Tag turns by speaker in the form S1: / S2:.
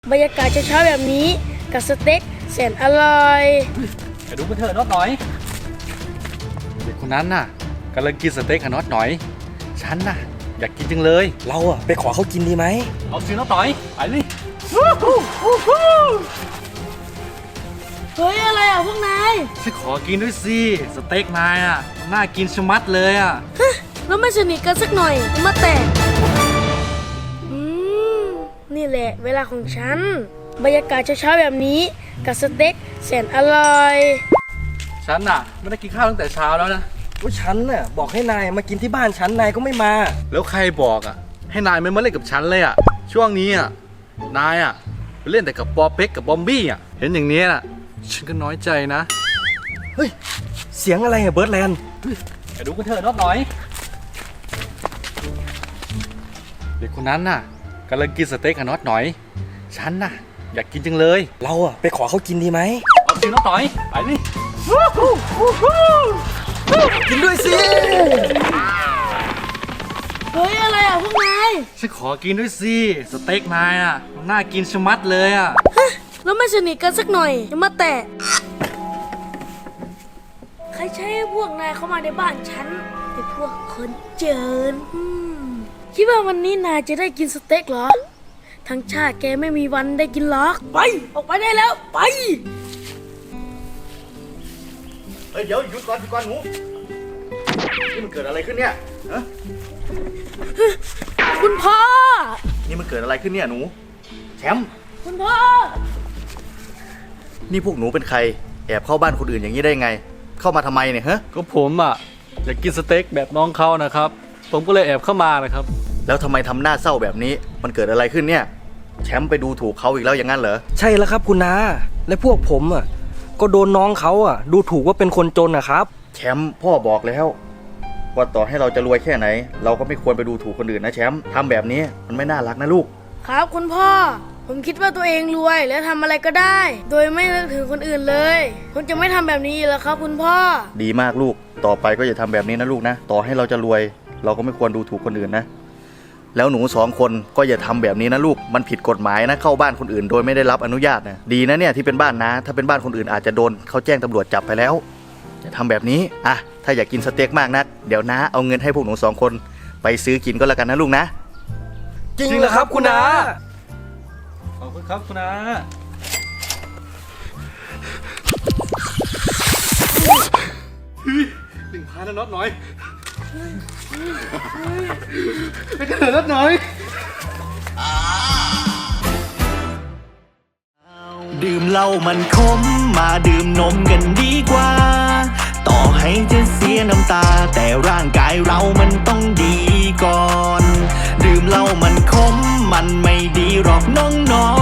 S1: บรรยากาศเช้าๆแบบนี้กับสเต็กแสนอร่อย
S2: ไปดูกันเถอะน็อตหน่อยเด็กคนนั้นน่ะกำลังกินสเต็กกับน็อตหน่อยฉันน่ะอยากกินจังเลย
S3: เราอะไปขอเขากินดีไหม
S2: เอาสิน็อตหน่อยไปเลย
S1: เฮ้ยอะไรอ่ะพวกนาย
S2: ฉันขอกินด้วยสิสเต็กนายอ่ะน่ากินชะมัดเลยอ่ะ
S1: แล้วไม่สนิทกันสักหน่อยมาแตกนี่แหละเวลาของฉันบรรยากาศเช้าๆแบบนี้กับสเต็กแสนอร่อย
S2: ฉันน่ะไม่ได้กินข้าวตั้งแต่เช้าแล้วนะ
S3: ว่าฉันน่ะบอกให้นายมากินที่บ้านฉันนายก็ไม่มา
S2: แล้วใครบอกอ่ะให้นายไม่มาเล่นกับฉันเลยอ่ะช่วงนี้อ่ะนายอ่ะไปเล่นแต่กับปอเป๊กกับบอมบี้อ่ะเห็นอย่างนี้น่ะฉันก็น้อยใจนะ
S3: เฮ้ยเสียงอะไรอะเบิร์ดแลนด์
S2: ไปดูกันเถอะน็อตหน่อยเด็กคนนั้นน่ะกำลังกินสเต็กกับน็อตหน่อยฉันน่ะอยากกินจังเลย
S3: เราอะไปขอเขากินดีไหม
S2: เอาสิน็อตหน่อยไปเลย
S3: กินด้วยสิ
S1: เฮ้ยอะไรอ่ะพวกนาย
S2: ฉันขอกินด้วยสิสเต็กนายอ่ะน่ากินชะมัดเลยอ่ะ
S1: แล้วไม่สนิทกันสักหน่อยมาแตกใครใช้ให้พวกนายเข้ามาในบ้านฉันไอ้พวกคนเจินคิดว่าวันนี้นายจะได้กินสเต็กเหรอทั้งชาติแกไม่มีวันได้กินหรอกไปออกไปได้แล้วไป
S2: เฮ้ยเดี๋ยวหยุดก่อนหนูนี่มันเกิดอะไรขึ้นเนี่ยฮะ
S1: คุณพ่อ
S2: นี่มันเกิดอะไรขึ้นเนี่ยหนูแชมป์
S1: คุณพ่อ
S2: นี่พวกหนูเป็นใครแอบเข้าบ้านคนอื่นอย่างนี้ได้ไงเข้ามาทำไมเนี่ยฮะก็ผมอ่ะอยากกินสเต็กแบบน้องเขานะครับผมก็เลยแอบเข้ามานะครับแล้วทำไมทำหน้าเศร้าแบบนี้มันเกิดอะไรขึ้นเนี่ยแชมป์ไปดูถูกเขาอีกแล้วอย่างนั้นเหรอ
S3: ใช่แล้วครับคุณนาและพวกผมอะก็โดนน้องเขาอะดูถูกว่าเป็นคนจนนะครับ
S2: แชมป์พ่อบอกแล้วว่าต่อให้เราจะรวยแค่ไหนเราก็ไม่ควรไปดูถูกคนอื่นนะแชมป์ทำแบบนี้มันไม่น่ารักนะลูก
S1: ครับคุณพ่อผมคิดว่าตัวเองรวยและทำอะไรก็ได้โดยไม่นึกถึงคนอื่นเลยผมจะไม่ทำแบบนี้แล้วครับคุณพ่อ
S2: ดีมากลูกต่อไปก็อย่าทำแบบนี้นะลูกนะต่อให้เราจะรวยเราก็ไม่ควรดูถูกคนอื่นนะแล้วหนู2 คนก็อย่าทำแบบนี้นะลูกมันผิดกฎหมายนะเข้าบ้านคนอื่นโดยไม่ได้รับอนุญาตนะดีนะเนี่ยที่เป็นบ้านนะถ้าเป็นบ้านคนอื่นอาจจะโดนเขาแจ้งตำรวจจับไปแล้วอย่าทำแบบนี้อ่ะถ้าอยากกินสเต็กมากนักเดี๋ยวนะเอาเงินให้พวกหนู2 คนไปซื้อกินก็แล้วกันนะลูกนะ
S3: จริงเหรอครับคุณนา
S2: ขอบคุณครับคุณนา1,000นะน็อตหน่อยไปกันเถอะน็อตหน่อย
S4: ดื่มเหล้ามันขมมาดื่มนมกันดีกว่าต่อให้จะเสียน้ำตาแต่ร่างกายเรามันต้องดีก่อนดื่มเหล้ามันขมมันไม่ดีหรอกน้อง